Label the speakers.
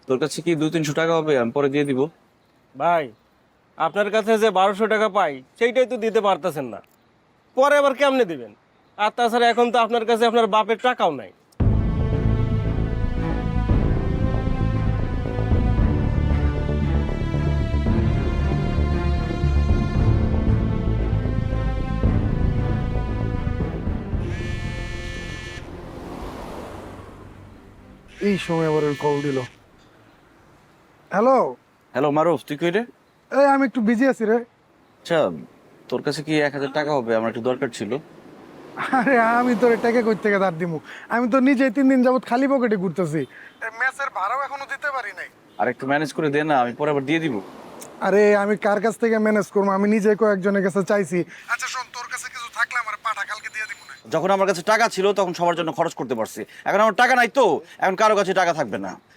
Speaker 1: তোর কাছে কি 200-300 টাকা হবে? আমি পরে দিয়ে দিব।
Speaker 2: ভাই, আপনার কাছে যে 1200 টাকা পাই সেইটাই তো দিতে পারতেছেন না, পরে আবার কেমনে দিবেন? আর তাছাড়া এখন তো আপনার কাছে আপনার বাপের টাকাও নাই।
Speaker 3: এই সময় আবার কল দিল। হ্যালো।
Speaker 1: হ্যালো মারুফ, তুই কই রে?
Speaker 3: এই আমি একটু বিজি আছি রে।
Speaker 1: আচ্ছা, তোর কাছে কি 1000 টাকা হবে? আমার একটু দরকার ছিল।
Speaker 3: আরে আমি তোর টাকা কই থেকে ধার দিমু? আমি তো নিজে 3 দিন যাবত খালি পকেটে ঘুরতেছি। ম্যাচের ভাড়াও এখনো দিতে পারি নাই।
Speaker 1: আর একটু ম্যানেজ করে দে না, আমি পরে আবার দিয়ে দিব।
Speaker 3: আরে আমি কার কাছ থেকে ম্যানেজ করবো? আমি নিজে কয়েকজনের কাছে চাইছি। আচ্ছা শোন, তোর কাছে কিছু থাকলে আমার পাঠা কালকে দিয়ে দিব না।
Speaker 1: যখন আমার কাছে টাকা ছিল তখন সবার জন্য খরচ করতে পারছি, এখন আমার টাকা নাই তো এখন কারো কাছে টাকা থাকবে না।